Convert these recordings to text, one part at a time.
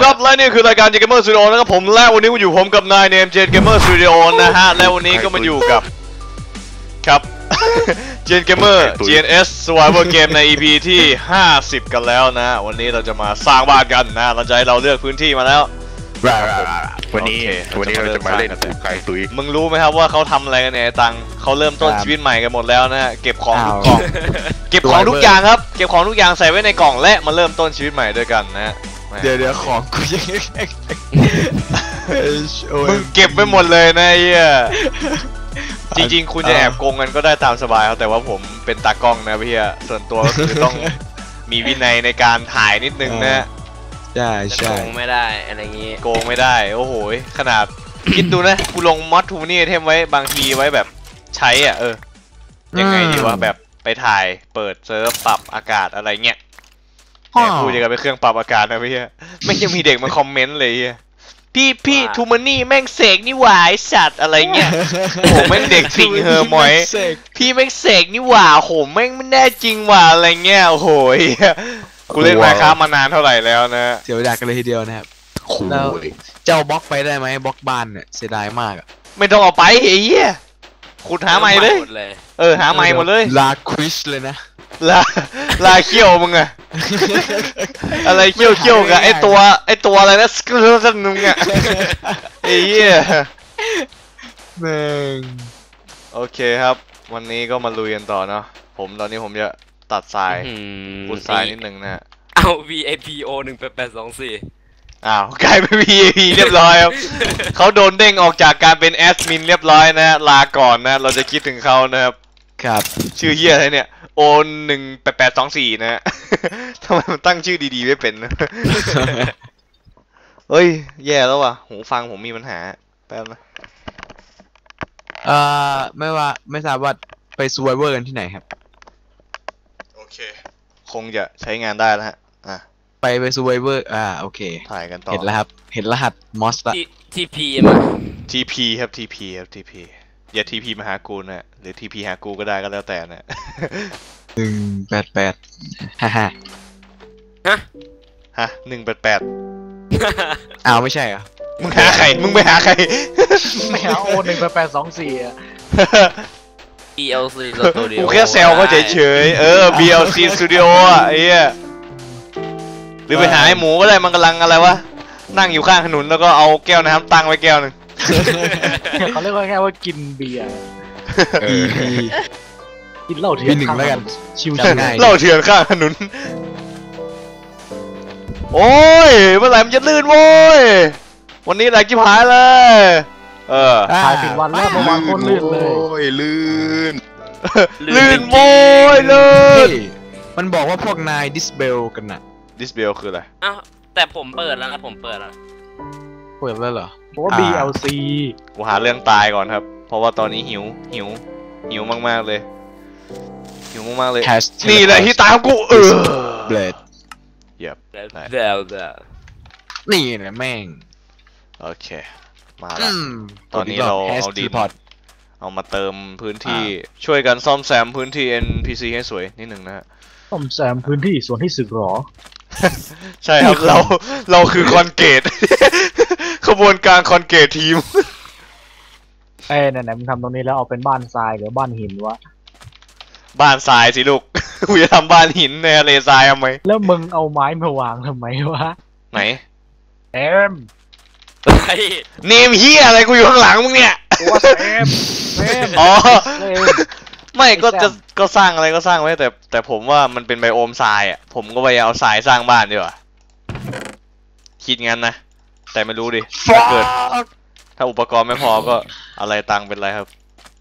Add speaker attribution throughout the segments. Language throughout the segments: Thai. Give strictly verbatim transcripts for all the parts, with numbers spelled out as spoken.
Speaker 1: ครับและนี่คือรายการ Jet Gamer Studio นะครับผมและวันนี้มาอยู่ผมกับนายเนม Jet Gamer Studio นะฮะและวันนี้ก็มาอยู่กับครับ Jet Gamer จี เอ็น เอส Survival Game ใน อี พี ที่ห้าสิบกันแล้วนะวันนี้เราจะมาสร้างบ้านกันนะเราจะให้เราเลือกพื้นที่มาแล้ว
Speaker 2: วันนี้วันนี้เราจะมาเล่นไก่ตุย
Speaker 1: มึงรู้ไหมครับว่าเขาทำอะไรกันเนี่ยตังเขาเริ่มต้นชีวิตใหม่กันหมดแล้วนะเก็บของทุกกล่องเก็บของทุกอย่างครับเก็บของทุกอย่างใส่ไว้ในกล่องและมาเริ่มต้นชีวิตใหม่ด้วยกันนะ
Speaker 2: เดี๋ยวเดี๋ยวของกูยัง
Speaker 1: มึงเก็บไปหมดเลยนะไอ้เหี้ยจริงๆคุณจะแอบโกงกันก็ได้ตามสบายครับแต่ว่าผมเป็นตากล้องนะพี่อะส่วนตัวก็คือต้องมีวินัยในการถ่ายนิดนึงนะ
Speaker 2: ใช่ใช่
Speaker 3: โกงไม่ได้อะไรอย่างงี้
Speaker 1: โกงไม่ได้โอ้โหขนาดคิดดูนะกูลงมอดทูนี่เทมไว้บางทีไว้แบบใช้อ่ะเออยังไงดีว่าแบบไปถ่ายเปิดเซิร์ฟปรับอากาศอะไรเงี้ยแต่กูจะกันไปเครื่องปรับอากาศนะพี่ไม่ยังมีเด็กมาคอมเมนต์เลยพี่พี่ทูมันนี่แม่งเสกนี่หว่าไอสัตว์อะไรเงี้ยโหแม่งเด็กติ่งเฮอร์มอยพี่แม่งเสกนี่หว่าโหแม่งไม่แน่จริงหว่าอะไรเงี้ยโอ้โหกูเล่นมาค้ามานานเท่าไหร่แล้วนะ
Speaker 2: เสียเวลากันเลยทีเดียวนะครับแล้วเจ้าบล็อกไปได้ไหมบล็อกบ้านเนี่ยเสียดายมากอ่ะ
Speaker 1: ไม่ต้องเอาไปไอ้เหี้ยขุดหาใหม่เลยเออหาใหม่หมดเลย
Speaker 2: ลาคริสเลยนะ
Speaker 1: ลาลาเขี้ยวมึงอะอะไรเขี้ยวเขี้ยวกับไอตัวไอตัวอะไรนะสกูสันมึงอะไอ้เหี้ย
Speaker 2: แม่ง
Speaker 1: โอเคครับวันนี้ก็มาลุยกันต่อเนาะผมตอนนี้ผมจะตัดทรายขุดทรายนิดนึงนะฮะ
Speaker 3: เอา วี ไอ พี โอ หนึ่งแปดแปดสองสี่
Speaker 1: อ้าวกลายเป็น วี ไอ พี เรียบร้อยครับเขาโดนเด้งออกจากการเป็นแอดมินเรียบร้อยนะลาก่อนนะเราจะคิดถึงเขานะครับ
Speaker 2: ครับ
Speaker 1: ชื่อเฮียอะไรเนี่ยโอหนึ่งแปดแปดสองสี่นะฮะทำไมมันตั้งชื่อดีๆไม่เป็นนะเฮ้ยแย่แล้วว่ะหูฟังผมมีปัญหาแป๊บนะ
Speaker 2: เอ่อไม่ว่าไม่ทราบว่าไปซูไวเวอร์กันที่ไหนครับ
Speaker 1: โอเคคงจะใช้งานได้แล้วฮะอ่ะ
Speaker 2: ไปไปซูไวเวอร์อ่าโอเค
Speaker 1: ถ่ายกันต่อ
Speaker 2: เห็นแล้วครับเห็นรหัสมอสละ
Speaker 3: ทีพีมา
Speaker 1: ทีพีครับทีพีครับทีพีอย่าทีพีมาหากูนะหรือทีพีหากูก็ได้ก็แล้วแต่นะ
Speaker 2: หนึ่งแปดแปดฮ่าฮ่า
Speaker 3: ฮะ
Speaker 1: ฮะหนึ่งแปดแปด
Speaker 2: อ้าวไม่ใช่เหรอ
Speaker 1: มึงหาใครมึงไปหาใคร
Speaker 4: ไม่หาโอหนึ่งแปดแปดสองสี่อ่ะ
Speaker 3: บี แอล ซี Studio
Speaker 1: กูแค่แซวเขาเฉยๆเออ บี แอล ซี Studio อ่ะไอ้เหี้ยหรือไปหาไอ้หมูก็ได้มันกำลังอะไรวะนั่งอยู่ข้างถนนแล้วก็เอาแก้วน้ำตั้งไว้แก้วหนึ่ง
Speaker 4: เขาเรียกว่าแค่ว่ากินเบียร์กินเหล้าเถื่อนข้างถนนชิวๆง่าย
Speaker 1: เหล้าเถื่อนข้างถนนโอ้ยเมื่อไหร่มันจะลื่นโว้ยวันนี้ไหลจิ๊บหายเลยเออ
Speaker 4: ถ่ายผิดวันแล้วเมื่อวานโคตรลื่นเลย
Speaker 2: โอ้ยลื่น
Speaker 1: ลื่นโว้ยลื่น
Speaker 2: มันบอกว่าพวกนายดิสเบลกันน่ะ
Speaker 1: ดิสเบลคืออะไร
Speaker 3: อ้าวแต่ผมเปิดแล้วนะผมเปิดแล้ว
Speaker 2: เปิดแล้วเหรอ
Speaker 4: เพราะว่า บี แอล ซี
Speaker 1: กูหาเรื่องตายก่อนครับเพราะว่าตอนนี้หิวหิวหิวมากๆเลยหิวมากๆเลยนี่แหละที่ตามกูเออ
Speaker 2: เบลด
Speaker 1: เหยียบ
Speaker 3: เดี๋ยวเดี๋ยว
Speaker 2: นี่แหละแม่ง
Speaker 1: โอเคมาแล้วตอนนี้เราเอาดินเอามาเติมพื้นที่ช่วยกันซ่อมแซมพื้นที่ เอ็น พี ซี ให้สวยนิดหนึ่งนะฮะ
Speaker 4: ซ่อมแซมพื้นที่ส่วนที่สึกหรอ
Speaker 1: ใช่ครับเราเราคือคอนเกตขบวนการคอนเกตทีม
Speaker 4: เอ้ยไหนๆมึงทำตรงนี้แล้วเอาเป็นบ้านทรายหรือบ้านหินวะ
Speaker 1: บ้านทรายสิลูกกูจะทำบ้านหินในทะเลทรายทำไม
Speaker 4: แล้วมึงเอาไม้มาวางทำไมวะ
Speaker 1: ไหน
Speaker 4: เอม
Speaker 1: เนมเฮียอะไรกูอยู่ข้างหลังมึงเนี่ย
Speaker 4: เอมเอม
Speaker 1: อ๋อไม่ก็จะก็สร้างอะไรก็สร้างไว้แต่แต่ผมว่ามันเป็นไบโอมทรายอ่ะผมก็พยายามเอาทรายสร้างบ้านดีกว่าคิดงั้นนะแต่ไม่รู้ดิถ้าเกิดถ้าอุปกรณ์ไม่พอก็อะไรตังเป็นไรครับ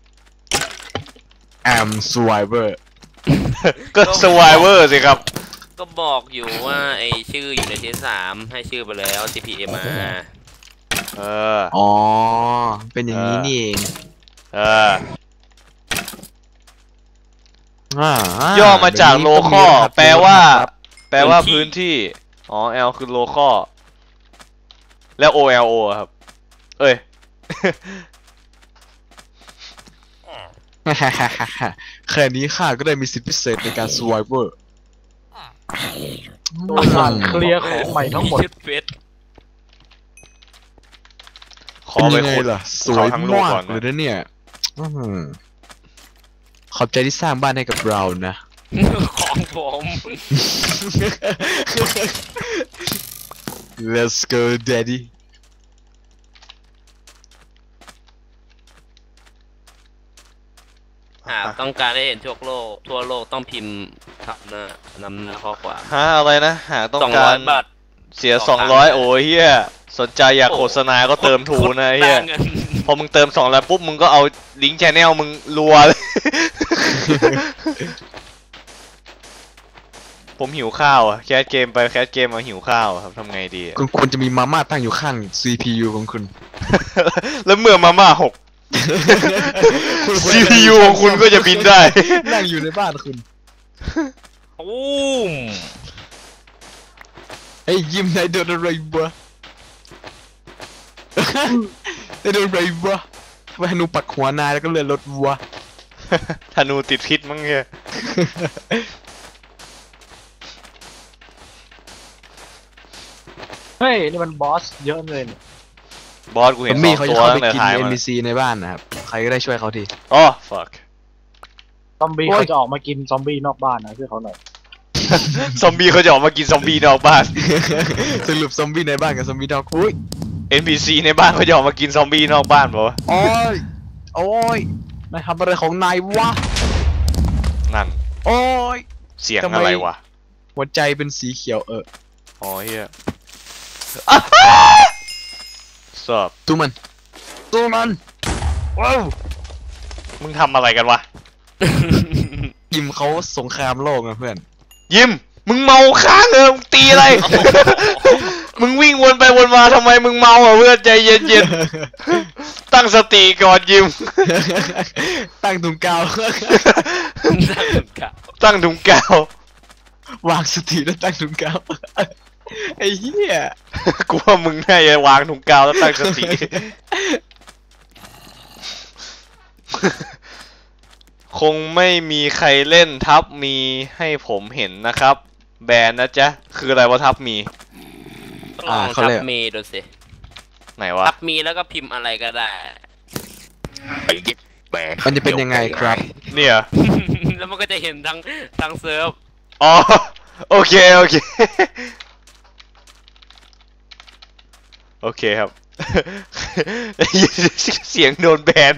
Speaker 2: I'm Survivor
Speaker 1: ก็ Survivor สิครับ
Speaker 3: ก็บอกอยู่ว่าไอชื่ออยู่ในเทสสามให้ชื่อไปแล้ว ที พี เอ็ม มา
Speaker 1: เออ
Speaker 2: อ๋อเป็นอย่างนี้นี่เอง
Speaker 1: เออย่อมาจากโลคอลแปลว่าแปลว่าพื้นที่อ๋อ L คือโลคอลแล้ว โอ แอล โอ ครับเอ้ย
Speaker 2: แค่นี้ข้าก็ได้มีสิทธิพิเศษในการ survivor
Speaker 4: โดยการเคลียร์ของใหม่ทั้งหมด
Speaker 1: อ
Speaker 2: เป็น
Speaker 1: ไป
Speaker 2: ยังไง
Speaker 1: ขุด
Speaker 2: ล่ะส
Speaker 1: ภู
Speaker 2: ว
Speaker 1: เขา
Speaker 2: ย
Speaker 1: ทั้งลูก
Speaker 2: มาก
Speaker 1: ก่อน
Speaker 2: เลย
Speaker 1: นะ
Speaker 2: นะเนี่ยอื้อหือขอบใจที่สร้างบ้านให้กับเรานะ
Speaker 3: ของผม
Speaker 2: Let's go daddy
Speaker 3: หากต้องการได้เห็นทั่วโลกทั่วโลกต้องพิมพ์คำหน้านำหน้าข้อความ
Speaker 1: ฮะอะไรนะหาต้อง
Speaker 3: สอง
Speaker 1: กา
Speaker 3: ร้อ
Speaker 1: ร
Speaker 3: ยบาท
Speaker 1: เสีย
Speaker 3: ส
Speaker 1: ส
Speaker 3: อ
Speaker 1: อง ง
Speaker 3: ครั้
Speaker 1: ร้อย
Speaker 3: งนะ
Speaker 1: โอ้ยเฮียสนใจอยาก
Speaker 3: โอ้
Speaker 1: โฆษณาก็เติมทูนะเฮีย
Speaker 3: ได้เงิน
Speaker 1: พอมึงเติมสองแล้วปุ๊บมึงก็เอาลิงก์ชแนลมึงรัวเลย ผมหิวข้าวอะแคสเกมไปแคสเกมมาหิวข้าวอะครับทำไงดีอะ
Speaker 2: คุณควรจะมีมาม่าตั้งอยู่ข้าง ซี พี ยู ของคุณ
Speaker 1: แล้วเมื่อมาม่าหก ซี พี ยู ของคุณก็จะบินได้
Speaker 2: นั่งอยู่ในบ้านคุณ
Speaker 3: ตูม
Speaker 2: ไอ้ยยิ้มนายโดนอะไรวะ นายโดนอะไรวะทำไมฮนูปักหัวนายแล้วก็เลื่อนรถวะ
Speaker 1: ธนูติดพิษมั้งเนี่ย
Speaker 4: เฮ้ยนี่มันบอสเยอะเลยเนี่ย
Speaker 1: บอสกู
Speaker 2: ซ
Speaker 1: เห็
Speaker 2: อน ม
Speaker 1: ส
Speaker 2: บี้
Speaker 1: อง
Speaker 2: เขา
Speaker 1: ตั
Speaker 2: จะ
Speaker 1: ว
Speaker 2: เข้า
Speaker 1: ตั้
Speaker 2: ไป
Speaker 1: งแต่
Speaker 2: กิน
Speaker 1: ท้าย
Speaker 2: เอ็
Speaker 1: มาน
Speaker 2: พี ซี ในบ้านนะครับ ใครก็ได้ช่วยเขาที
Speaker 1: อ๋อ fuck
Speaker 4: ซอมบี้
Speaker 2: โอ้ย
Speaker 4: เขาจะออกมากินซอมบี้นอกบ้านนะช่วยเขาหน่อย
Speaker 1: ซอมบี้เขาจะออกมากินซอมบี้นอกบ้าน
Speaker 2: สรุปซอมบี้ในบ้านกับซอมบี้นอกอุ้ย
Speaker 1: เอ็น พี ซี ในบ้านเขาจะออกมากินซอมบี้นอกบ้านเปล่าวะ
Speaker 2: โอ้ย โอ้ย นายทำอะไรของนายวะ
Speaker 1: นั่น
Speaker 2: โอ้ย
Speaker 1: เสียง
Speaker 2: ทำไม
Speaker 1: อะไรวะ
Speaker 2: หัวใจเป็นสีเขียวเออ
Speaker 1: อ๋อเฮียอ่ะสอบ
Speaker 2: ตัวมัน ตัวมัน ว้าว
Speaker 1: มึงทำอะไรกันวะ
Speaker 2: ยิมเขาสงครามโลกนะเพื่อน
Speaker 1: ยิม มึงเมาค้างเออมึงตีอะไร มึงวิ่งวนไปวนมาทำไมมึงเมาอ่ะเพื่อนใจเย็นๆ ตั้งสติก่อนยิม
Speaker 2: ตั้งถุงกาว
Speaker 1: ตั้งถุงกาว
Speaker 2: วางสติแล้วตั้งถุงกาว ไอ้เหี้ย
Speaker 1: กูว่ามึงน่าจะวางถุงกาวแล้วตั้งสติ คงไม่มีใครเล่นทับมีให้ผมเห็นนะครับ แบนนะจ๊ะ คืออะไรวะทับมี
Speaker 3: ต้องลองทับมีดูสิ
Speaker 1: ไหนวะ
Speaker 3: ทับมีแล้วก็พิมพ์อะไรก็ได้
Speaker 2: มันจะเป็นยังไงครับ
Speaker 1: เนี่ย
Speaker 3: แล้วมันก็จะเห็นทั้งทั้งเซิร์ฟ
Speaker 1: อ๋อ โอเค โอเค โอเคครับ เสียงโดนแบน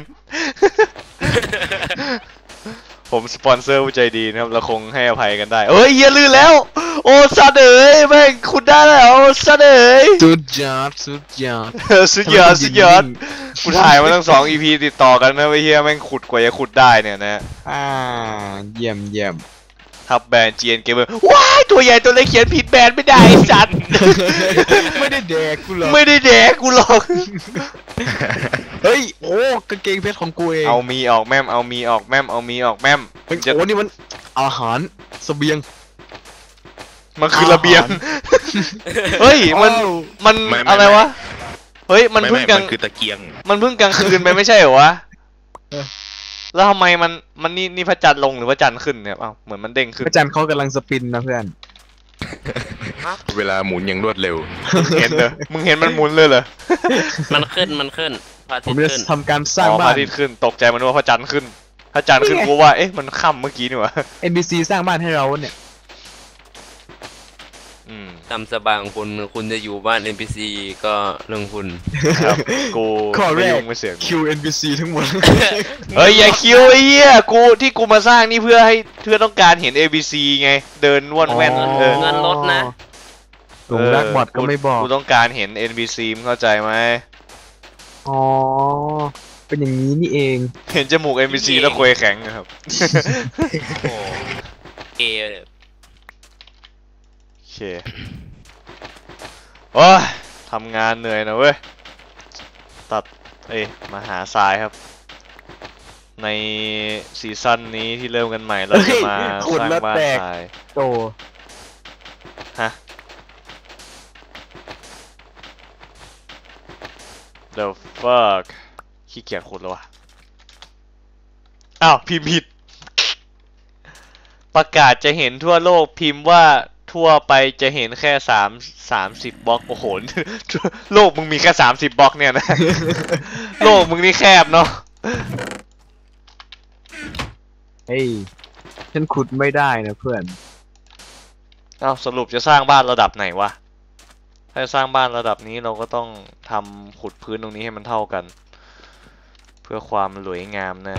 Speaker 1: ผมสปอนเซอร์ผู้ใจดีนะครับเราคงให้อภัยกันได้เอ้ยเหี้ยลื่นแล้ว โอ้สัตว์เอ๋ยแม่งขุดได้แล้วสัตว์เอ๋ย
Speaker 2: สุดยอดสุดยอด
Speaker 1: เออสุดยอดสุดยอดกูถ่ายมาตั้งสอง อี พี ติดต่อกันนะไอ้เหี้ยแม่งขุดกว่าจะขุดได้เนี่ยนะ
Speaker 2: อ่า เยี่ยมเยี่ยม
Speaker 1: ทับแบน จี เอ็น Gamer ว้ายตัวใหญ่ตัวเล็กเขียนผิดแบนไม่ได้ไอ้สัตว์
Speaker 2: ไม่ได้แดกกูหรอก
Speaker 1: ไม่ได้แดกกูหรอก
Speaker 2: เฮ้ย โอ้กางเกงเพชรของกูเอง
Speaker 1: เอามีออกแม่มเอามีออกแม่มเอามีออกแม่ม
Speaker 2: เฮ้ย
Speaker 1: จะ
Speaker 2: โอ้นี่มันอาหารเสบียง
Speaker 1: มันคือระเบียง เฮ้ยมัน
Speaker 2: อ้าว
Speaker 1: มัน
Speaker 5: ไม่ไม่
Speaker 1: อะไรวะเฮ้ยมัน
Speaker 5: ไม่
Speaker 1: เพิ่ง
Speaker 5: ไม่
Speaker 1: กลาง
Speaker 5: มันคือตะเกียง
Speaker 1: มันเพิ่งกลางคืนไปไม่ใช่เหรอวะแล้วทำไมมันมันนี่นี่พระจันทร์ลงหรือพระจันทร์ขึ้นเนี่ยเอ้าเหมือนมันเด้งขึ้น
Speaker 2: พระจันทร์เขากำลังสปินนะเพื่อน
Speaker 5: เวลาหมุนอย่างรวดเร็ว
Speaker 1: เห็นเหรอมึงเห็นมันหมุนเลยเหรอ
Speaker 3: มันขึ้นมันขึ้นพระอา
Speaker 2: ผ
Speaker 3: ทิต
Speaker 2: ม
Speaker 3: ย์
Speaker 2: จะ
Speaker 3: ขึ้น
Speaker 2: ทำการสร้าง
Speaker 1: อ๋อพ
Speaker 2: บ้า
Speaker 1: ระ
Speaker 2: น
Speaker 1: อาทิตย์ขึ้นตกใจมันว่าพระจันทร์ขึ้นพระจันทร์ขึ้น
Speaker 2: นี่ไง
Speaker 1: กูว่าเอ๊ะมันค่ำเมื่อกี้นี่หว่า
Speaker 2: เอ็น บี ซี สร้างบ้านให้เราเนี่ย
Speaker 1: อืม
Speaker 3: ตามสบายของคุณคุณจะอยู่บ้าน เอ็น พี ซี ก็เรื่องคุณ
Speaker 1: ครับกู
Speaker 2: ข้อแร
Speaker 1: ไม่
Speaker 2: ก
Speaker 1: ยุ่งไม่เสียง
Speaker 2: คิว เอ็น บี ซี ทั้งหมด
Speaker 1: เฮ้ยอย่าคิวไอ้เหี้ยกูที่กูมาสร้างนี่เพื่อให้เพื่อต้องการเห็น เอ บี ซี ไงเดินว่อนแว่น
Speaker 2: อ๋อ
Speaker 1: เออ
Speaker 3: เงินลดนะ
Speaker 2: หลงรักบอดก็ไม่บอก
Speaker 1: กูต้องการเห็น เอ็น บี ซี มึงเข้าใจไหม
Speaker 2: อ๋อ เป็นอย่างนี้นี่เอง
Speaker 1: เห็นจมูก เอ็น บี ซี แล้วคุยแข็งนะครับ
Speaker 3: โอ้เกย์
Speaker 1: โอเคโอ้ยทำงานเหนื่อยนะเว้ย ตัด เอ้ยมาหาทรายครับ ในซีซั่นนี้ที่เริ่มกันใหม่เราจะมา
Speaker 2: เฮ้ยขุ
Speaker 1: ส
Speaker 2: ด
Speaker 1: ร้าง
Speaker 2: แล้ว
Speaker 1: บ้าน
Speaker 2: แตก
Speaker 1: ทราย
Speaker 2: โต
Speaker 1: ฮะ The fuck ขี้เกียจขุดแล้ววะอ้าวพิมพ์ผิด ประกาศจะเห็นทั่วโลกพิมพ์ว่าทั่วไปจะเห็นแค่สามสามสิบบล็อกโอ้โห โลกมึงมีแค่สามสิบบล็อกเนี่ยนะ โลกมึงนี่แคบเนาะ
Speaker 2: เฮ้ยฉันขุดไม่ได้นะเพื่อน
Speaker 1: เอ้าสรุปจะสร้างบ้านระดับไหนวะ ถ้าจะสร้างบ้านระดับนี้เราก็ต้องทำขุดพื้นตรงนี้ให้มันเท่ากัน เพื่อความสวยงามนะ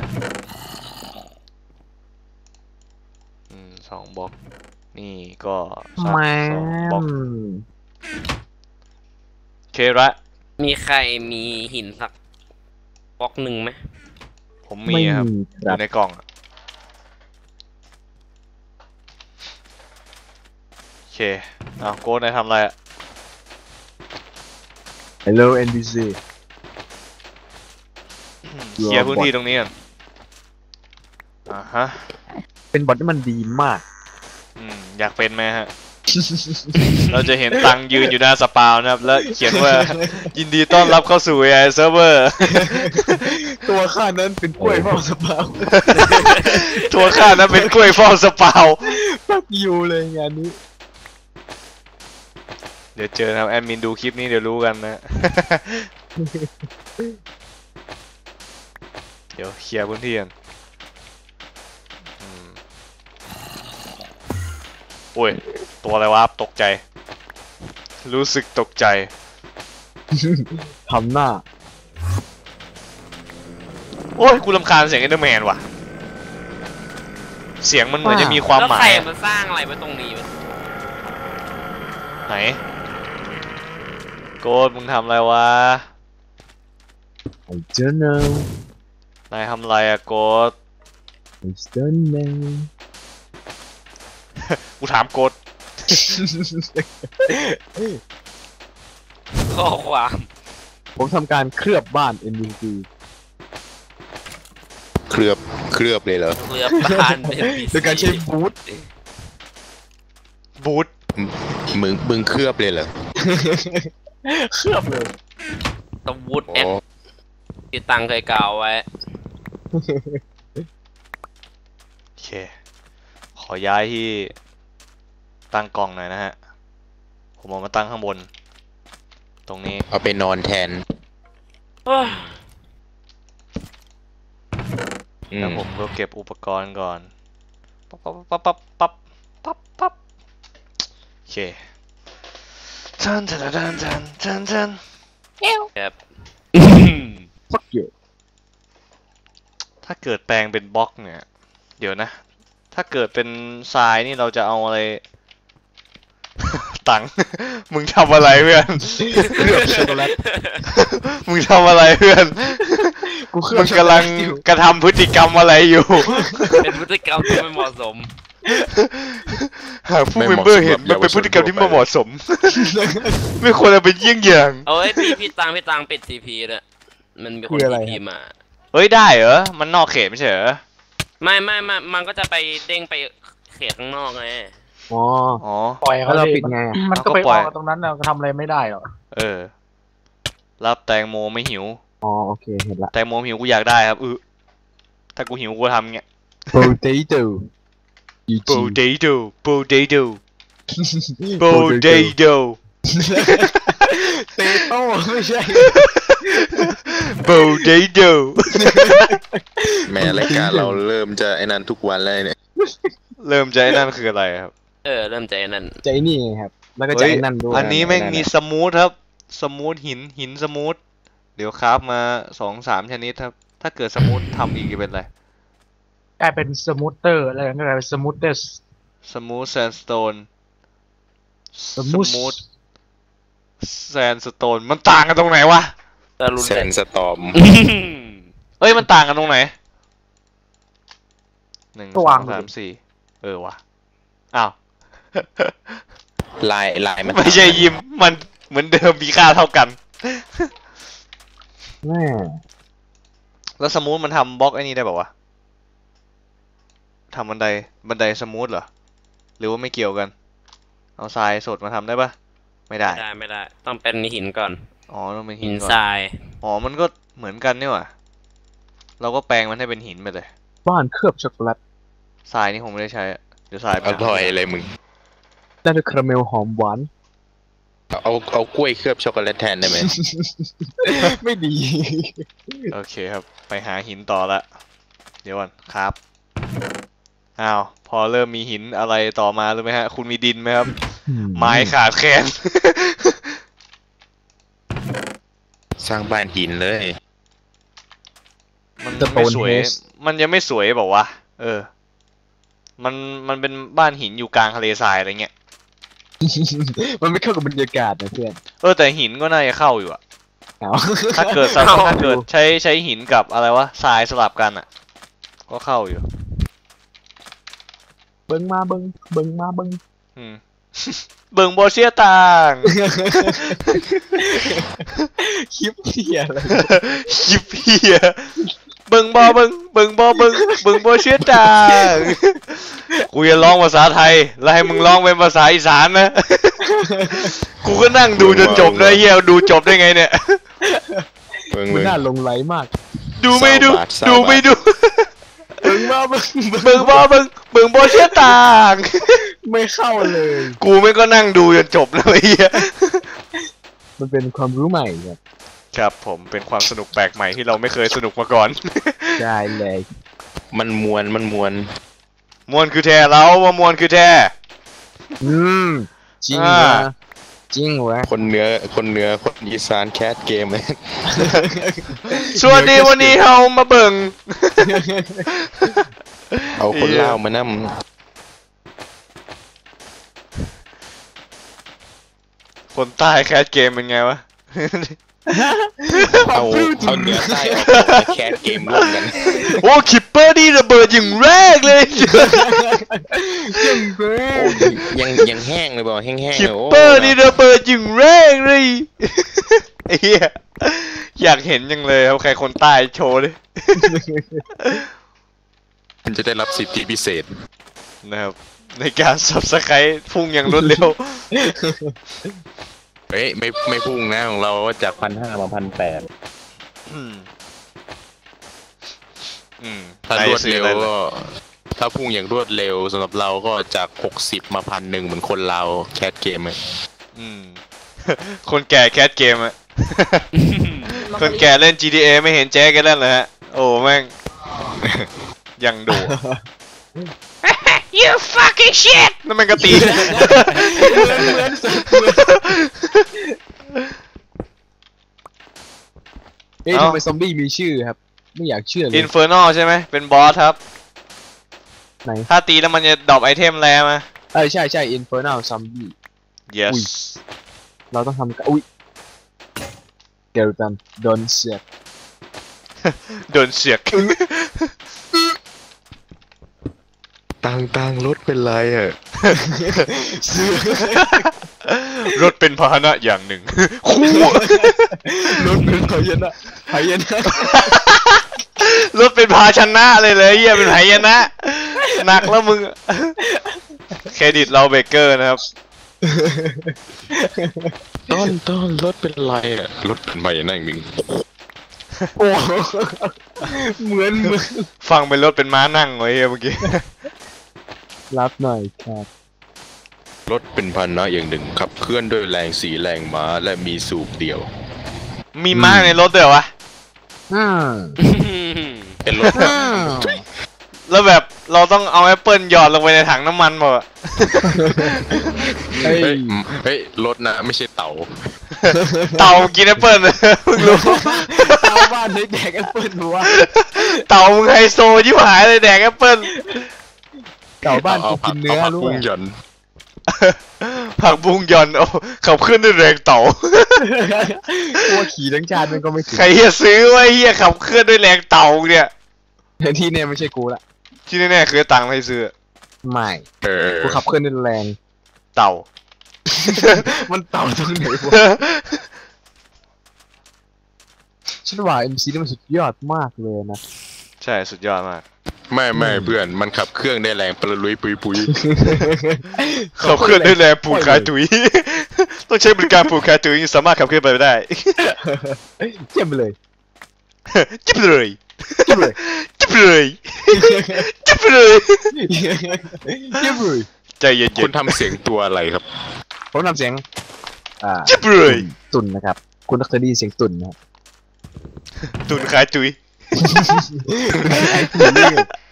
Speaker 1: อืมสองบล็อกนี่ก็สัก
Speaker 2: แม
Speaker 1: สองบล็อก
Speaker 2: ม
Speaker 1: เคระ
Speaker 3: มีใครมีหินสักบล็อกหนึ่งไหม
Speaker 1: ผม
Speaker 2: ไม่
Speaker 1: มีครับ
Speaker 2: มี
Speaker 1: อ
Speaker 2: ครับ
Speaker 1: ยู่ในกล่องอะโอเคเอาโก้นายทำอะไรอะ
Speaker 2: Hello เอ็น พี ซี
Speaker 1: เคลียร์พื้นที่ตรงนี้ก่อนอ่าฮะ
Speaker 2: เป็นบอทที่มันดีมาก
Speaker 1: อืมอยากเป็นไหมฮะ เราจะเห็นตังยืนอยู่หน้าสปาวนะครับ แล้วเขียนว่า ยินดีต้อนรับเข้าสู่ เอ ไอ Server
Speaker 2: ตัวข้านั้นเป็นกล้วยเฝ้าสปาว
Speaker 1: ทัวร์ข้านะเป็นกล้วยฟองสปาว
Speaker 2: ปักยูเลยงานนี้
Speaker 1: เดี๋ยวเจอนะครับแอดมินดูคลิปนี้เดี๋ยวรู้กันนะ เดี๋ยวเคลียร์พื้นที่กันอืมโอ้ย ตัวอะไรวะตกใจ รู้สึกตกใจ
Speaker 2: ทำหน้า
Speaker 1: โอ้ย กูรำคาญเสียงเอเดอร์แมนว่ะ เสียงมันเหมือนจะมีความ
Speaker 3: แล้ว
Speaker 1: หมา
Speaker 3: ใคร
Speaker 1: ย
Speaker 3: มาสร้างอะไรไว้ตรงนี้วะ
Speaker 1: ไหน โกดมึงทำอะไรวะ
Speaker 2: I don't know
Speaker 1: นายทำอะไรอะโกด
Speaker 2: I don't know
Speaker 1: กูถามโกด
Speaker 3: ข้อความ
Speaker 2: ผมทำการเคลือบบ้าน เอ็น พี ซี
Speaker 5: เคลือบเคลือบเลยเหรอ
Speaker 3: เรือบ้านเป็น
Speaker 2: โดยการใช้บูท
Speaker 1: บูท
Speaker 5: มึงมึงเคลือบเลยเหรอ
Speaker 2: เคลือบเลย
Speaker 3: สวูด
Speaker 5: อ๋
Speaker 3: แอด
Speaker 5: อ
Speaker 3: ที่ตังเคยกล่าวไว้
Speaker 1: โอเค ขอย้ายที่ตั้งกล่องหน่อยนะฮะ ผมเอามาตั้งข้างบน ตรงนี้
Speaker 5: เอาไปนอนแทน อื
Speaker 1: แล้ว
Speaker 5: ม
Speaker 1: ผมก็เก็บอุปกรณ์ก่อน ปั๊บปั๊บปั๊บปั๊บปั๊บปั๊บปั๊บโอเคทันทันทันทันทันทัน
Speaker 3: ครับ
Speaker 2: fuck you
Speaker 1: ถ้าเกิดแปลงเป็นบล็อกเนี่ย เดี๋ยวนะ ถ้าเกิดเป็นทรายนี่เราจะเอาอะไร ตังค์ มึงทำอะไรเพื่อน
Speaker 2: เคลือบช็อกโกแลต
Speaker 1: มึงทำอะไรเพื่อน
Speaker 2: กูเคลื
Speaker 1: มึ
Speaker 2: อบ
Speaker 1: ง
Speaker 2: ช็อกโก
Speaker 1: กำ
Speaker 2: แล
Speaker 1: ลั
Speaker 2: ต
Speaker 1: ง
Speaker 2: อยู่
Speaker 1: กระทำพฤติกรรมอะไรอยู่
Speaker 3: เป็นพฤติกรรมที่ไม่เหมาะสม
Speaker 1: หากผู้เมมเบอร์เห็นมันเป็นพฤติกรรมที่ไม่เหมาะสม ไม่ควรเอาเป็นเยี่ยงอย่าง
Speaker 3: เอาไว้พี่พี่ตังพี่ตังปิดซีพีเลยมันมีคนทีพีมา
Speaker 1: เฮ้ยได้เหรอ มันนอกเขตไม่ใช่เหรอ
Speaker 3: ไม่ไม่ไม่มันก็จะไปเด้งไปเขตข้างนอกไง
Speaker 2: อ๋อ
Speaker 1: อ๋อ
Speaker 4: ปล่อย
Speaker 2: แล้
Speaker 4: เขา
Speaker 2: วเรา
Speaker 4: ดิ
Speaker 2: ปิดไงอะ
Speaker 4: มันก็ไป
Speaker 1: เราก็ป
Speaker 4: อ
Speaker 1: ล่อย
Speaker 4: อกตรงนั้นเราก็ทำอะไรไม่ได้หรอก
Speaker 1: เออ รับแตงโมไม่หิว
Speaker 2: อ๋อโอเคเห็นละ
Speaker 1: แตงโมหิวกูอยากได้ครับเออถ้ากูหิวกูทำเงี้ย
Speaker 2: potato จีจี
Speaker 1: potato potato potato
Speaker 2: เตโต้ไม่ใช่
Speaker 1: potato
Speaker 5: แม้รายการเราเริ่มจะไอ้นั้นทุกวันแล้วเนี่ย
Speaker 1: เริ่มใจนั่นคืออะไรครับ
Speaker 3: เออเริ่มใจนั่น
Speaker 2: ใจนี่ไงครับ แล้วก็ใจ
Speaker 1: เฮ้ย
Speaker 2: นั่นด้วย
Speaker 1: อันนี้แม่งมีสมูทครับ สมูทหินหินสมูทเดี๋ยวคราฟมาสองสามชนิดครับ ถ้าเกิดสมูททำอีกจะเป็นอะไร
Speaker 4: กลายเป็นสมูทเตอร์อะไรกันก็กลายเป็นสมูทเตอร์
Speaker 1: สมูทแซนสโตน
Speaker 4: สมูท
Speaker 1: มูทแซนสโตนมันต่างกันตรงไหนวะ
Speaker 3: ตะลุน
Speaker 5: แซนสตอม
Speaker 1: เอ้ยมันต่างกันตรงไหนหนึ่งสองสามสี่เออวะอ้าว
Speaker 5: ลายลายมัน
Speaker 1: ไม่ใช่ยิมมันเหมือนเดิมมีค่าเท่ากัน
Speaker 2: แม่
Speaker 1: แล้วสมูทมันทำบล็อกไอ้นี่ได้ป่าวะทำบันไดบันไดสมูทเหรอหรือว่าไม่เกี่ยวกัน เอาทรายสดมาทำได้ปะไม่ได้
Speaker 3: ไม่ได้ไม่ได้ ต้องเป็นหินก่อน
Speaker 1: อ๋อต้องเป็นหิ
Speaker 3: หิ
Speaker 1: น
Speaker 3: น
Speaker 1: ก่อ
Speaker 3: ท
Speaker 1: น
Speaker 3: ราย
Speaker 1: อ๋อมันก็เหมือนกันนี่หว่าเราก็แปลงมันให้เป็นหินไปเลย
Speaker 2: บ้านเคลือบช็อกโกแลต
Speaker 1: ทรายนี่ผมไม่ได้ใช้อะเดี๋ยวทรายไป
Speaker 5: อร่อยเลยมึง
Speaker 2: ได้ด้วยคาราเมลหอมหวาน
Speaker 5: เอาเอากล้วยเคลือบช็อกโกแลตแทนได้ไหม
Speaker 2: ไม่ดี
Speaker 1: โอเคครับ ไปหาหินต่อละ เดี๋ยวก่อนครับ อ้าว พอเริ่มมีหินอะไรต่อมารู้ไหมฮะ คุณมีดินไหมครับ ไม้ขาดแคลน
Speaker 5: สร้างบ้านหินเลย
Speaker 1: มันไม่สวย มันยังไม่สวยบอกว่าเออ มันมันเป็นบ้านหินอยู่กลางทะเลทรายอะไรเงี้ย
Speaker 2: มันไม่เข้ากับบรรยากาศนะเพื่อน
Speaker 1: เออแต่หินก็น่าจะเข้าอยู่อะ
Speaker 2: เอา
Speaker 1: ถ้าเกิดถ้าเกิดใช้ใช้หินกับอะไรวะทรายสลับกันอะก็เข้าอยู่
Speaker 4: เบิ่งมาเบิ่งเบิ่งมาเบิ่ง
Speaker 1: อืม เบิ่งโบเชียต่าง
Speaker 2: คลิปเที่ยอะไร
Speaker 1: ยิบเพียเบิ่งบอเบิ่งเบิ่งบอเบิ่งเบิ่งโบเชียต่างกูจะร้องภาษาไทยแล้วให้มึงร้องเป็นภาษาอีสานนะ กูก็นั่งดูจนจบเลยเฮียดูจบได้ไงเนี่ย
Speaker 5: เบิ่ง
Speaker 2: มัน
Speaker 5: เบิ่ง
Speaker 2: น่าลงไหลมาก
Speaker 1: ดูไม่ดู
Speaker 5: เศร้าบาทเศร้า
Speaker 1: ดูไม่
Speaker 5: บาท
Speaker 1: ดู
Speaker 2: เบิ่งมาเบิ่ง
Speaker 1: เบิ่งบอเบิ่งเบิ่งโบเชียต่าง
Speaker 2: ไม่เข้าเลย
Speaker 1: กูไม่ก็นั่งดูจนจบเลยเฮีย
Speaker 2: มันเป็นความรู้ใหม่ครับ
Speaker 1: ครับผมเป็นความสนุกแปลกใหม่ที่เราไม่เคยสนุกมาก่อน
Speaker 2: ได้เลย
Speaker 5: มันมวนมันมวน
Speaker 1: มวนคือแท้เราว่ามวนคือแท้
Speaker 2: อืมจริง
Speaker 1: อ่า
Speaker 2: วะจริงวะ
Speaker 5: คนเหนือคนเหนือคนอีสานแคสเกมเลย
Speaker 1: สวัสดีวันนี้เฮามาเบิ่ง
Speaker 5: เอาคนเล่าวมานั่ม
Speaker 1: คนใต้แคสเกมเป็นไงวะ
Speaker 5: เอาเอาเหนือใต้ออกมาแคสเกมร่วมกัน
Speaker 1: โอ้คิปเปอร์นี่ระเบิดอย่างแรกเลย
Speaker 2: ยังเบ้
Speaker 5: โอ้ยยังยังแห้งเลยบอกแห้งๆ
Speaker 1: คิป
Speaker 5: เลยโอ้
Speaker 1: เปอร์นี่ระเบิดอย่างแรกเลย ไอ้เหี้ยอยากเห็นยังเลยครับใครคนใต้โชว์ดิ
Speaker 5: มันจะได้รับสิทธิพิเศษ
Speaker 1: นะครับในการสับสไครพุ่งอย่างรวดเร็ว
Speaker 5: เฮ้ยไม่ไม่พุ่งนะของเราจากพันห้ามาพันแปด
Speaker 1: อืมอืม
Speaker 5: ถ้ารวดเร็ว
Speaker 1: ไหนซื้ออะไร
Speaker 5: ก็ถ้าพุ่งอย่างรวดเร็วสำหรับเราก็จากหกสิบมาพันหนึ่งเหมือนคนเราแคสเกมเลย
Speaker 1: อืม คนแก่แคสเกมอะ คนแก่เล่น จี ที เอ ไม่เห็นแจ๊กกันเล่นเลยฮะ โอ้แม่ง ยังดู You fucking shit นั่นมันกระตี
Speaker 2: เอ้ย
Speaker 1: เอ้า
Speaker 2: ทำไมซอมบี้มีชื่อครับ ไม่อยากเชื่อเลย
Speaker 1: Inferno ใช่ไหมเป็นบอสครับ
Speaker 2: ไหน
Speaker 1: ถ้าตีแล้วมันจะดรอปไอเทมแล้วมา
Speaker 2: เออใช่ใช่ Infernal Zombie
Speaker 1: yes
Speaker 2: อุ้ย เราต้องทำกันอุ้ยเกลตันโดนเสียบ
Speaker 1: โดนเสียก
Speaker 5: ตังตังรถเป็นไรอ่ะ
Speaker 1: รถเป็นพาหนะอย่างหนึ่ง คู่
Speaker 2: รถเป็นพยานะพยานะ
Speaker 1: รถเป็นภาชนะเลยเลยเฮียเป็นไหยนะหนักแล้วมึง เครดิตเราเบเกอร์นะครับ
Speaker 5: ต้นต้นรถเป็นไรอ่ะรถเป็นไรนั่งหนึ่ง
Speaker 2: โอ้เหมือนเหมือน
Speaker 1: ฟังเป็นรถเป็นม้านั่งไว้เฮียเมื่อกี้
Speaker 2: รับหน่อยครับ
Speaker 5: รถเป็นพันนะอย่างหนึ่งขับเคลื่อนด้วยแรงสีแรงม้าและมีสูบเดียว
Speaker 1: มีม้าในรถด้วยเหรอวะ
Speaker 2: อืม
Speaker 5: เป็นรถ
Speaker 2: อืม
Speaker 1: แล้วแบบเราต้องเอาแอปเปิลหยอดลงไปในถังน้ำมันหมดอะ
Speaker 2: เฮ้ย
Speaker 5: เฮ้ยเฮ้ยรถนะไม่ใช่เต่า
Speaker 1: เต่ากินแอปเปิลเพิ่งรู้
Speaker 2: เอาบ้านให้แดกแอปเปิ้ลวะ
Speaker 1: เต่ามึงไฮโซยิ่หายเลยแดกแอปเปิล
Speaker 2: เก่าบ้านกูกินเนื้อ
Speaker 5: ผัก
Speaker 2: รู้
Speaker 5: บุ้ง
Speaker 2: ไหม
Speaker 5: หย่อน
Speaker 1: ผักบุ้งหย่อนโอ้ขับขึ้นด้วยแรงเต่า
Speaker 2: กลัวขี่ทั้งชาติมันก็ไม่ถึง
Speaker 1: ใครเฮียซื้อวะเฮียขับเคลื่อนด้วยแรงเต่าเนี่ย
Speaker 2: แต่ที่เนี่ยไม่ใช่กูละ
Speaker 1: ที่แน่ๆคือตังค์ให้ซื้อ
Speaker 2: ไม่
Speaker 5: เออ
Speaker 2: กูขับเคลื่อนด้วยแรง
Speaker 1: เต่า
Speaker 2: มันเต่าตรงไหนวะฉันว่า เอ็ม ซี นี่มันสุดยอดมากเลยนะ
Speaker 1: ใช่สุดยอดมาก
Speaker 5: ไม่ไม่เพื่อนมันขับเครื่องได้แรงปลุยปุยปุย
Speaker 1: ขับเคลื่อนด้วยแรงปูนคายตุย ต้องใช้บริการปูนคายตุยสามารถขับเคลื่อนไปได้
Speaker 2: เจ็บไปเลย
Speaker 1: จิ๊บเลย
Speaker 2: เจ็บเลย
Speaker 1: จิ๊บเลยจิ๊บเลย
Speaker 2: เจ็บเลย
Speaker 1: ใจเย็นๆ
Speaker 5: คุณทำเสียงตัวอะไรครับ
Speaker 2: ผมทำเสียงอ่า
Speaker 1: จิ๊บเลย
Speaker 2: ตุ่นนะครับคุณเคยได้ยินเสียงตุ่นนะครับ
Speaker 1: ตุนขายจุย
Speaker 2: ไอ้ตุ่นนี่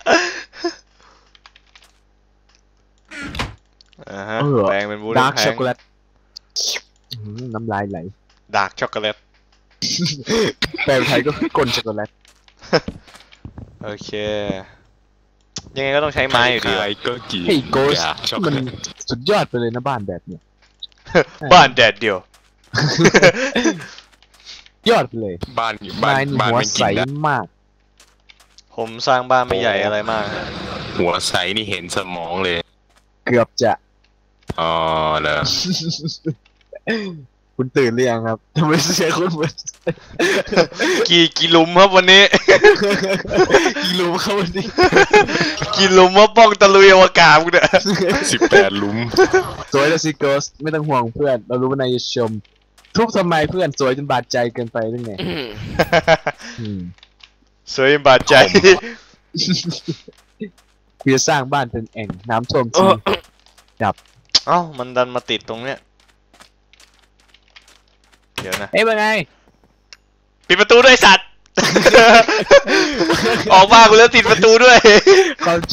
Speaker 1: อ่าฮะ
Speaker 2: เออ
Speaker 1: แปลงเป็นบู
Speaker 2: ดาร์ก
Speaker 1: แพ
Speaker 2: ช็อง กโกแลตน้ำลายไหล
Speaker 1: ดาร์กช็อกโกแลต
Speaker 2: แปลไทยก็คือกลช็อกโกแลต
Speaker 1: โอเค ยังไงก็ต้องใช้ไม้อยู่ดี
Speaker 5: ใคร
Speaker 1: วะ
Speaker 5: ๆก็กี่
Speaker 2: เฮ้ยโกส
Speaker 5: อยากช็อกโก
Speaker 2: มัน
Speaker 5: แลต
Speaker 2: สุดยอดไปเลยนะบ้านแบบเนี้ย
Speaker 1: บ้านแดดเดียว
Speaker 2: ยอดไปเลย
Speaker 5: บ้านบ้าน
Speaker 2: นายนี่
Speaker 5: บ้าน
Speaker 2: หัว
Speaker 5: ไม่
Speaker 2: ใส
Speaker 5: กินได้
Speaker 2: มาก
Speaker 1: ผมสร้างบ้านไม่ใหญ่อะไรมาก
Speaker 5: หัวใสนี่เห็นสมองเลย
Speaker 2: เกือบจะ
Speaker 5: อ๋อเหรอ
Speaker 2: คุณตื่นหรือยังครับทำไมเสียงคุณเหมือน
Speaker 1: กี่กี่หลุมครับวันนี้
Speaker 2: กิโลเข้าวันนี้
Speaker 1: กี่หลุมว่าป้องตะลุยอวกาศกูเนี่ย
Speaker 5: สิบแปดหลุม
Speaker 2: สวยแล้วสิโกสไม่ต้องห่วงเพื่อน เรารู้ว่านายจะชม ทุบทำไมเพื่อนสวยจนบาดใจเกินไปหรือไงอืม
Speaker 1: สวยบาดใจ
Speaker 2: เพื่อสร้างบ้านเป็นแอ่งน้ำท่วมที
Speaker 1: เอ้ามันดันมาติดตรงเนี้ย เดี๋ยวนะ
Speaker 2: เอ้ยเป็นไง
Speaker 1: ปิดประตูด้วยสัตว์ ออกมากูแล้วติดประตูด้วย
Speaker 2: เข้าใจ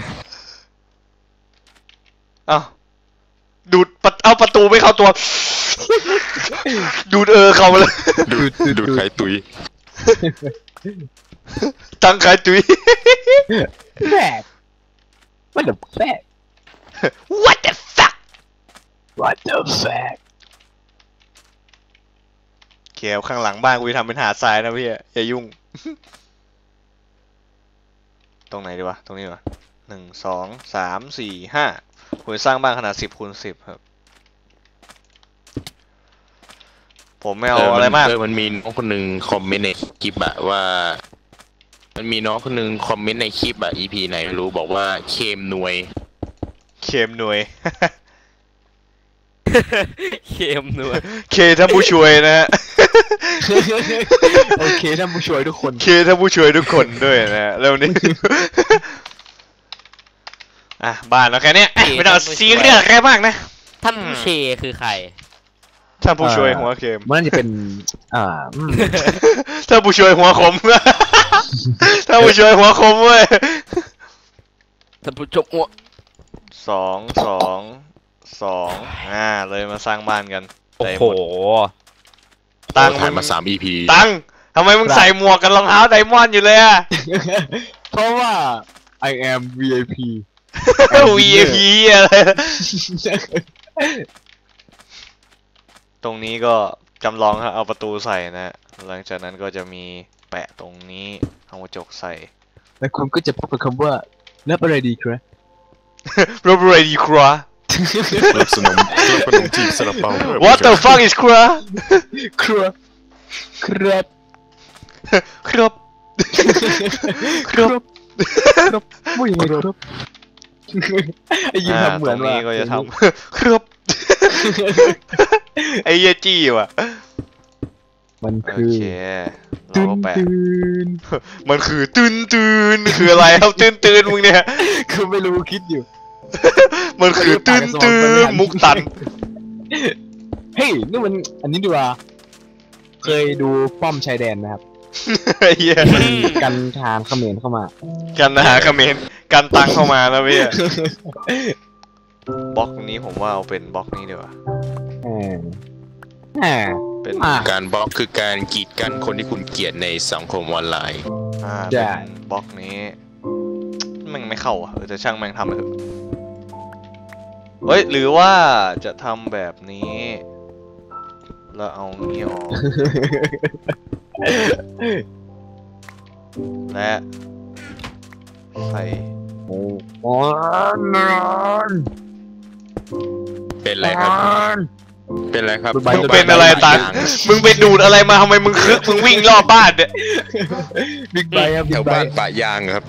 Speaker 1: เอ้าดูดประเอาประตูไม่เข้าตัว ดูดเออเข้ามาเลย
Speaker 5: ดูดดูดไข่ตุย
Speaker 1: ตั้งขายจุย
Speaker 2: แฝก What the fuck
Speaker 1: What the fuck
Speaker 2: What the fuck
Speaker 1: เขียวข้างหลังบ้านกูจะทำเป็นหาดทรายนะพี่อย่ายุ่ง ตรงไหนดีวะ ตรงนี้ดีวะหนึ่งสองสามสี่ห้าผมจะสร้างบ้านขนาดสิบคูณสิบครับ ผมไม่เอาอะไรมาก
Speaker 5: เออมันมีน้องคนหนึ่งคอมเมนต์ในคลิปอะว่า มันมีน้องคนหนึ่งคอมเมนต์ในคลิปอะ อี พี ไหนไม่รู้บอกว่าเคมหน่วย
Speaker 1: เคมหน่วย
Speaker 3: เค็มด้วย
Speaker 1: เคท่านผู้ช่วยนะฮะ
Speaker 2: โอเคท่านผู้ช่วยทุกคน
Speaker 1: เคท่านผู้ช่วยทุกคนด้วยนะฮะแล้วนี้ อ่ะบ้านเราแค่เนี้ยไม่ต้องซีเรียสแค่มากนะ
Speaker 3: ท่านผู้เชคือใคร
Speaker 1: ท่านผู้ช่วยหัวเข็ม
Speaker 2: มันน่าจะเป็น อ่าอืม
Speaker 1: ท่านผู้ช่วยหัวคม ท่านผู้ช่วยหัวคมเว้ย
Speaker 3: ท่านผู้ชมหัว
Speaker 1: สองสองสองอ่าเลยมาสร้างบ้านกัน
Speaker 3: โอ้
Speaker 1: ได้
Speaker 3: โห
Speaker 1: หมดตังค์
Speaker 5: ถ่ายมาสาม อี พี
Speaker 1: ตังค์ทำไมมึงใส่หมวกกับรองเท้าไดมอนด์อยู่เลยอะ
Speaker 2: เพราะว่า I am วี ไอ พี
Speaker 1: วี ไอ พี อะไรตรงนี้ก็จำลองครับเอาประตูใส่นะ หลังจากนั้นก็จะมีแปะตรงนี้เอากระจกใส่
Speaker 2: แล้วคุณก็จะพบกับคำว่ารับอะไรดีครับ
Speaker 1: รบเรดีครัว
Speaker 5: รับสนมรับขนมจีบซาลาเปา
Speaker 1: What the fuck is ครัว
Speaker 2: ครับครับ
Speaker 1: ครับครับ
Speaker 2: ครับว่ายังไงครับไอ้ยิน
Speaker 1: อ่า
Speaker 2: ทำเหมือน
Speaker 1: ตรง
Speaker 2: ว่า
Speaker 1: นี้ก็จะทำ ครับ ไอ้เหี้ยจี้ว่ะ
Speaker 2: มัน
Speaker 1: โอ
Speaker 2: คือ
Speaker 1: เคเรา
Speaker 2: ตื่น
Speaker 1: ก็แปะ
Speaker 2: ตื่น
Speaker 1: มันคือตื่นตื่นคืออะไรครับตื่นตื่นมึงเนี่ย
Speaker 2: คือไม่รู้คิดอยู่
Speaker 1: มันคือตื่นตื่นมุกตัน
Speaker 2: เฮ้ยนี่มันอันนี้ดีกว่าเคยดูป้อมชายแดนนะครับ
Speaker 1: ไอ้เหี้ย
Speaker 2: กันทานเขมรเข้ามา
Speaker 1: กันหาคอมเขมนต์กันตังเข้ามาแล้วพี่บล็อกนี้ผมว่าเอาเป็นบล็อกนี้ดีกว่า
Speaker 2: เออแหม
Speaker 1: เป็น
Speaker 2: อ่ะ
Speaker 5: การบล็อกคือการกีดกันคนที่คุณเกลียดในสังคมออนไลน์
Speaker 1: อ่า
Speaker 2: ได้
Speaker 1: เป็นบล็อกนี้แม่งไม่เข้าอ่ะเออแต่ช่างแม่งทำเลยเถอะเฮ้ยหรือว่าจะทำแบบนี้ แล้วเอานี้ออก และใส่
Speaker 2: โอ้โหนอน
Speaker 5: เป็นไรครับ เป็นไรครับ
Speaker 1: มึงเป็นอะไรตังมึงไปดูดอะไรมาทำไมมึงคึกมึงวิ่งรอบบ้านเนี่ย
Speaker 2: บิ๊กไบค์ครับ
Speaker 5: แถ
Speaker 2: บิ๊
Speaker 5: ว
Speaker 2: กไบ
Speaker 5: บ้าน
Speaker 2: ค์
Speaker 5: ปะยางครับ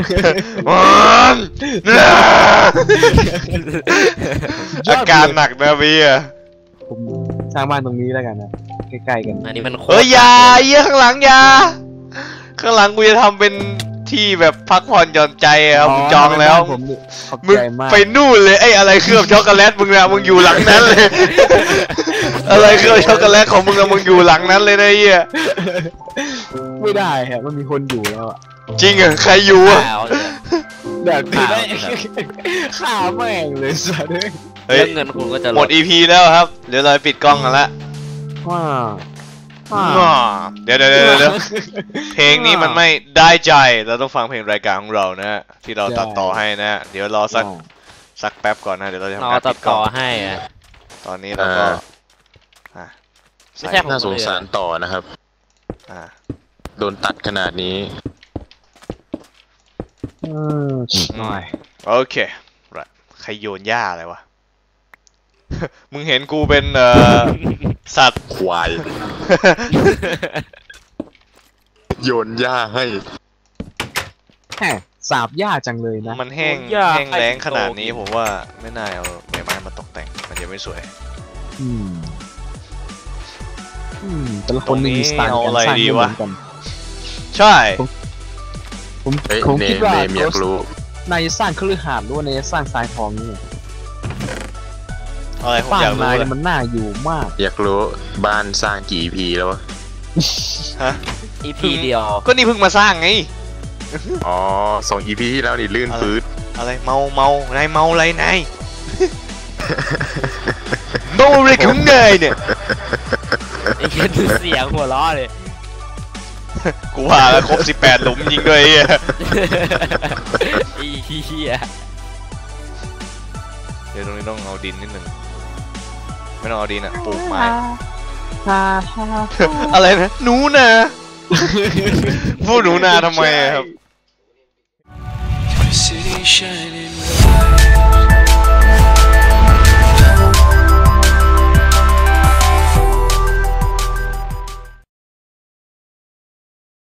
Speaker 1: อาการหนักนะพี่อะ
Speaker 2: ผมสร้างบ้านตรงนี้แล้วกันนะใกล้ๆกัน
Speaker 3: อันนี้มันโคตร
Speaker 1: เอ้ยอยาเยี่ยข้างหลังอยาข้างหลังกูจะทำเป็นที่แบบพักผ่อนหย่อนใจอะครับมึงจองแล้ว
Speaker 2: ผมนี่ขอบ
Speaker 1: มึง
Speaker 2: ใจมาก
Speaker 1: ไปนู่นเลยไอ้อะไรเคลือบช็อกโกแลตมึงอะมึงอยู่หลังนั้นเลย อะไรเคลือบช็อกโกแลตของมึงอะมึงอยู่หลังนั้นเลยนะไอ้เหี้ย
Speaker 2: ไม่ได้ฮะมันมีคนอยู่แล้วอะ
Speaker 1: จริงเหรอใครอยู่อะ
Speaker 3: เอาเลย
Speaker 2: แบบคือได้ฆ่าแม่งเลยสัสเลย
Speaker 1: เฮ้ย
Speaker 3: เรื่องเงินคุณก็จะ
Speaker 1: หมด อี พี แล้วครับเดี๋ยวเราปิดกล้องกันละ
Speaker 2: ว้า
Speaker 1: อ้อเดี๋ยวเดี๋ยวเดี๋ยวเดี๋ยวเพลงนี้มันไม่ได้ใจเราต้องฟังเพลงรายการของเรานะที่เราตัดต่อให้นะ เดี๋ยวรอสักสักแป๊บก่อนนะเดี๋ยวเราจะ
Speaker 3: น
Speaker 1: ทำ
Speaker 3: อ
Speaker 1: การ
Speaker 3: ตั
Speaker 1: ปิ
Speaker 3: ด
Speaker 1: ดกล้
Speaker 3: ต่
Speaker 1: อ
Speaker 3: อง ให้อะ
Speaker 1: ตอนนี้เราก็อ่ะ
Speaker 3: ไม่ใช่ผม
Speaker 5: น่าสงสารต่อนะครับ
Speaker 1: อ่ะ
Speaker 5: โดนตัดขนาดนี้
Speaker 2: อืมหน่อย
Speaker 1: โอเคright ใครโยนหญ้าอะไรวะ มึงเห็นกูเป็นเอ่อ สัตว์
Speaker 5: ควาย โยนหญ้าให้
Speaker 2: แหมสาบยากจังเลยนะ
Speaker 1: มันแห้งแห้งแล้งขนาดนี้ผมว่าไม่น่าเอาใบไม้มาตกแต่งมันจะไม่สวย
Speaker 2: อืมอืมแต่ละคนมีสไตล์
Speaker 1: ตรงนี้เอา
Speaker 2: การ
Speaker 1: อะไร
Speaker 2: สร้าง
Speaker 1: ดี
Speaker 2: ไม่เหมื
Speaker 1: วะ
Speaker 2: อนกัน
Speaker 1: ใช่
Speaker 2: ผม
Speaker 5: เฮ้ย
Speaker 2: ผม
Speaker 5: เน
Speaker 2: คิดว่า
Speaker 5: เนมอยากรู้
Speaker 2: นายจะสร้างคฤหาสน์หรือว่านายจะสร้างทรายทองนี่
Speaker 1: อะไรผม
Speaker 2: บ้า
Speaker 1: อน ยากรู้
Speaker 2: นาย
Speaker 1: เลย
Speaker 2: เนี่ยมันน่าอยู่มาก
Speaker 5: อยากรู้บ้านสร้างกี่ อี พี แล้ววะ
Speaker 1: ฮะ
Speaker 3: อีพีเดียว
Speaker 1: ก็นี่เพิ่งมาสร้างไง
Speaker 5: อ๋อสอง อี พี ที่แล้วนี่ลื่น
Speaker 1: อะไร
Speaker 5: ปื๊ด
Speaker 1: อะไรเมาเมานายเมาอะไรนาย เมาอะไรของนายเนี่ย
Speaker 3: ไอ้เหี้ยดูเสียงหัวล้อเลย
Speaker 1: กูว่าแล้วครบสิบแปดหลุมยิงด้วยไอ้เหี้ย
Speaker 3: ไอ้เหี้ย
Speaker 1: เดี๋ยวตรงนี้ต้องเอาดินนิดหนึ่งไม่ต้องเอาดินอะปลูกไม้ อะไรนะหนูนา พูดหนูนาทำไมอะครับ
Speaker 6: City shining bright.